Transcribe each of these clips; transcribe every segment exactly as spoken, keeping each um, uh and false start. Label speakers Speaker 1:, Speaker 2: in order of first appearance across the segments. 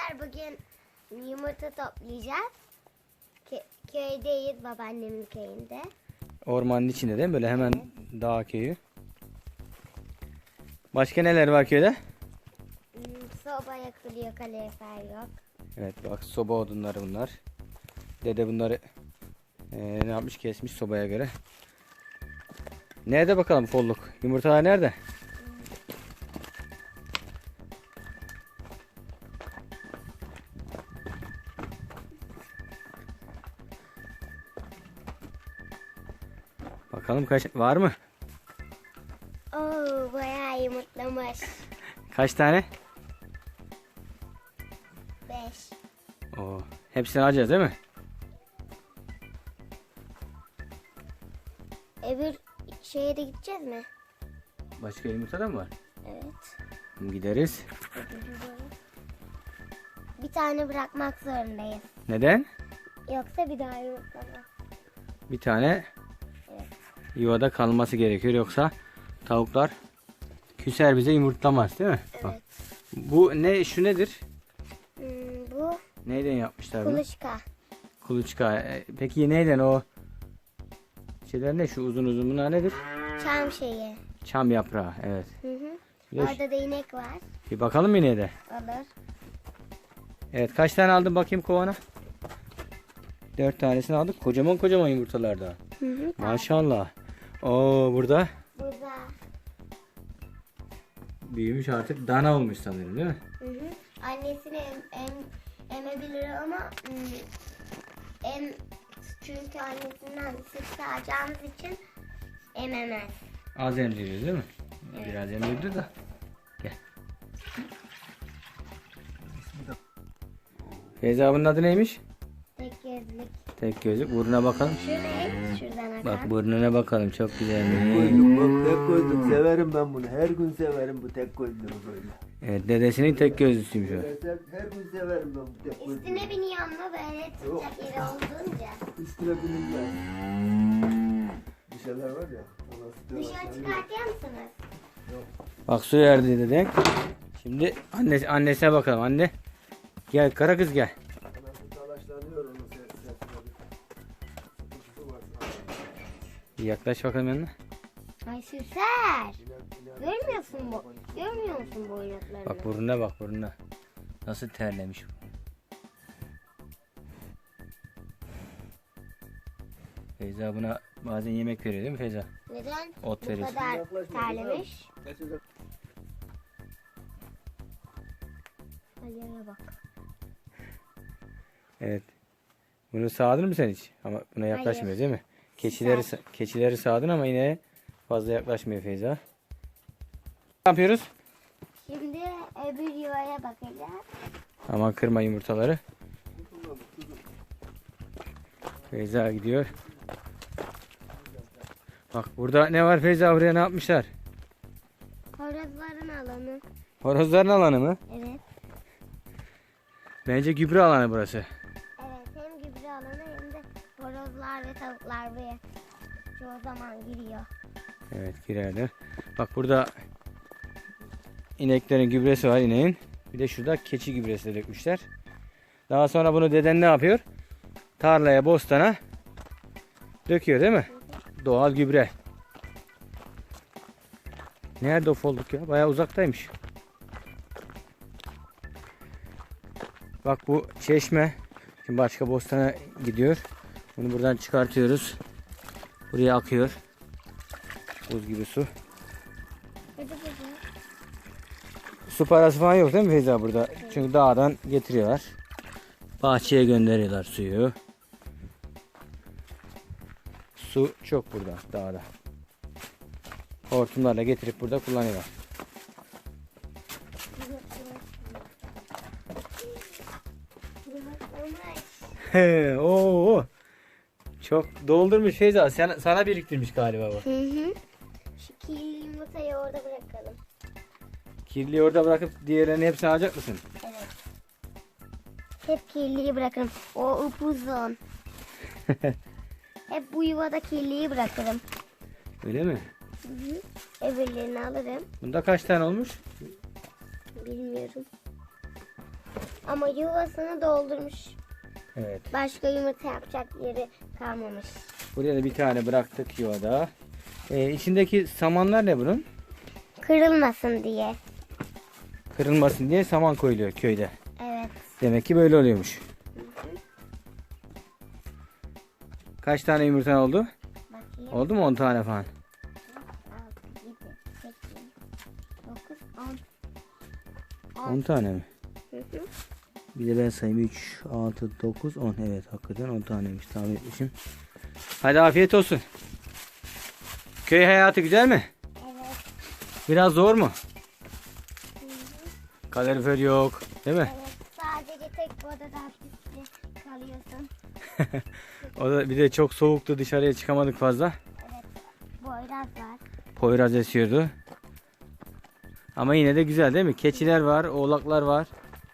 Speaker 1: Arkadaşlar bugün yumurta toplayacağız. Kö köydeyiz, babaannemin köyünde.
Speaker 2: Ormanın içinde değil mi? Böyle hemen evet. Dağ köyü. Başka neler var köyde?
Speaker 1: Hmm, soba yakılıyor, kalorifer yok.
Speaker 2: Evet bak, soba odunları bunlar. Dede bunları ee, ne yapmış, kesmiş sobaya göre. Nerede bakalım folluk? Yumurtalar nerede? Bakalım kaç var mı?
Speaker 1: Oo, bayağı yumurtlamış.
Speaker 2: Kaç tane?
Speaker 1: Beş.
Speaker 2: Oo, hepsini alacağız değil mi?
Speaker 1: Öbür şeye de gideceğiz mi?
Speaker 2: Başka yumurta da mı var?
Speaker 1: Evet.
Speaker 2: Gideriz.
Speaker 1: Bir tane bırakmak zorundayız.
Speaker 2: Neden?
Speaker 1: Yoksa bir daha yumurtlamaz.
Speaker 2: Bir tane
Speaker 1: evet.
Speaker 2: Yuvada kalması gerekiyor, yoksa tavuklar küser, bize yumurtlamaz değil mi?
Speaker 1: Evet.
Speaker 2: Bak. Bu ne, şu nedir?
Speaker 1: Hmm, bu
Speaker 2: neyden yapmışlar bunu?
Speaker 1: kuluçka.
Speaker 2: Kuluçka. Peki neyden o şeyler ne, şu uzun uzun bunlar nedir?
Speaker 1: Çam şeyi.
Speaker 2: Çam yaprağı, evet.
Speaker 1: Hı hı.
Speaker 2: Bir,
Speaker 1: Orada da inek var.
Speaker 2: bir bakalım mı yine de?
Speaker 1: Olur.
Speaker 2: Evet, kaç tane aldın bakayım kovana? Dört tanesini aldık. Kocaman kocaman yumurtalarda.
Speaker 1: Hı hı.
Speaker 2: Maşallah. Oo, burada
Speaker 1: Burada.
Speaker 2: büyümüş artık, dana olmuş sanırım değil mi?
Speaker 1: Hı hı. Annesini em, em, emebilir ama ım, em, çünkü annesinden süt sağacağımız için ememez.
Speaker 2: Az emziriyor değil mi?
Speaker 1: Evet.
Speaker 2: Biraz emzirdi da. Gel. Feyza, bunun adı neymiş?
Speaker 1: Tek gözlük.
Speaker 2: Tek gözlük. Burnuna bakalım.
Speaker 1: Şu ne? Şuradan akan.
Speaker 2: Bak burnuna bakalım, çok güzel.
Speaker 3: Koydum, bak tek koydum, severim ben bunu, her gün severim bu tek koyduğumu böyle.
Speaker 2: Evet, dedesinin tek gözlüsüymüş o.
Speaker 3: Her, her gün severim ben bu tek koyduğumu.
Speaker 1: Üstüne biniyor ama böyle tutacak yeri olduğunca.
Speaker 3: Üstüne binilmez. Bir şeyler var ya. ona
Speaker 1: Dışarı çıkartıyor musunuz?
Speaker 2: Bak, su verdi deden. Şimdi annesi, annesine bakalım. Anne, gel kara kız, gel.
Speaker 3: Anası talaşlanıyor onun sesine. Sıkıntısı var.
Speaker 2: Bir yaklaş bakalım yanına.
Speaker 1: Ay süser. Görmüyorsun bu. Görmüyor musun bu oynaklarını?
Speaker 2: Bak burnuna bak, burnuna. Nasıl terlemiş bu. Feyza buna bazen yemek veriyor değil mi Feyza?
Speaker 1: Neden
Speaker 2: Ot
Speaker 1: bu
Speaker 2: veriyorsun.
Speaker 1: kadar terlemiş? Ayağına bak.
Speaker 2: Evet. Bunu sağdın mı sen hiç? Ama buna yaklaşmıyor
Speaker 1: Hayır.
Speaker 2: değil mi? Keçileri keçileri sağdın ama yine fazla yaklaşmıyor Feyza. Ne yapıyoruz?
Speaker 1: Şimdi öbür yuvaya bakacağız.
Speaker 2: Aman kırma yumurtaları. Feyza gidiyor. Bak burada ne var Feyza, buraya ne yapmışlar?
Speaker 1: Horozların alanı.
Speaker 2: Horozların alanı mı?
Speaker 1: Evet.
Speaker 2: Bence gübre alanı burası.
Speaker 1: Evet, hem gübre alanı hem de horozlar ve tavuklar buraya çoğu zaman giriyor.
Speaker 2: Evet, girerler. Bak burada ineklerin gübresi var, ineğin. Bir de şurada keçi gübresi de dökmüşler. Daha sonra bunu deden ne yapıyor? Tarlaya, bostana döküyor değil mi? Doğal gübre. Nerede o folluk ya? Bayağı uzaktaymış. Bak bu çeşme. Şimdi başka bostana gidiyor. Bunu buradan çıkartıyoruz. Buraya akıyor. Buz gibi su.
Speaker 1: Hadi bakalım.
Speaker 2: Su parası falan yok değil mi Feyza burada? Çünkü dağdan getiriyorlar. Bahçeye gönderiyorlar suyu. Su çok burada, dağda. Hortumlarla getirip burada kullanıyorlar. He, oo. Çok doldurmuş Feyza. Sen, sana biriktirmiş galiba bu.
Speaker 1: Hı hı. Şu kirli yumurtayı orada bırakalım.
Speaker 2: Kirliyi orada bırakıp diğerlerini hepsini alacak mısın?
Speaker 1: Evet. Hep kirliyi bırakırım. O upuzun. Hep bu yuvada kirliyi bırakırım.
Speaker 2: Öyle mi?
Speaker 1: Hı hı. Öbürlerini alırım.
Speaker 2: Bunda kaç tane olmuş?
Speaker 1: Bilmiyorum. Ama yuvasını doldurmuş.
Speaker 2: Evet.
Speaker 1: Başka yumurta yapacak yeri kalmamış.
Speaker 2: Buraya da bir tane bıraktık yuvada. Ee, içindeki samanlar ne bunun?
Speaker 1: Kırılmasın diye.
Speaker 2: Kırılmasın diye saman koyuluyor köyde.
Speaker 1: Evet.
Speaker 2: Demek ki böyle oluyormuş. Kaç tane yumurtan oldu?
Speaker 1: Bakayım.
Speaker 2: Oldu mu on tane falan?
Speaker 1: altı, yedi, sekiz, dokuz, on.
Speaker 2: on tane mi?
Speaker 1: Hı hı.
Speaker 2: Bir de ben sayayım. üç, altı, dokuz, on. Evet hakikaten on taneymiş. Tahmin etmişim. Hadi afiyet olsun. Köy hayatı güzel mi?
Speaker 1: Evet.
Speaker 2: Biraz zor mu? Kalorifer yok. Değil mi?
Speaker 1: Evet. Sadece tek bir odada hapiste kalıyorsun.
Speaker 2: O da bir de çok soğuktu. Dışarıya çıkamadık fazla.
Speaker 1: Evet. Boyraz var.
Speaker 2: Poyraz esiyordu. Ama yine de güzel değil mi? Keçiler var, oğlaklar var.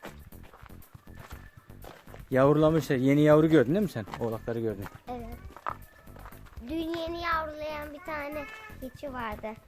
Speaker 2: Yavrulamışlar. Yeni yavru gördün değil mi sen? Oğlakları gördün.
Speaker 1: Evet. Dün yeni yavrulayan bir tane keçi vardı.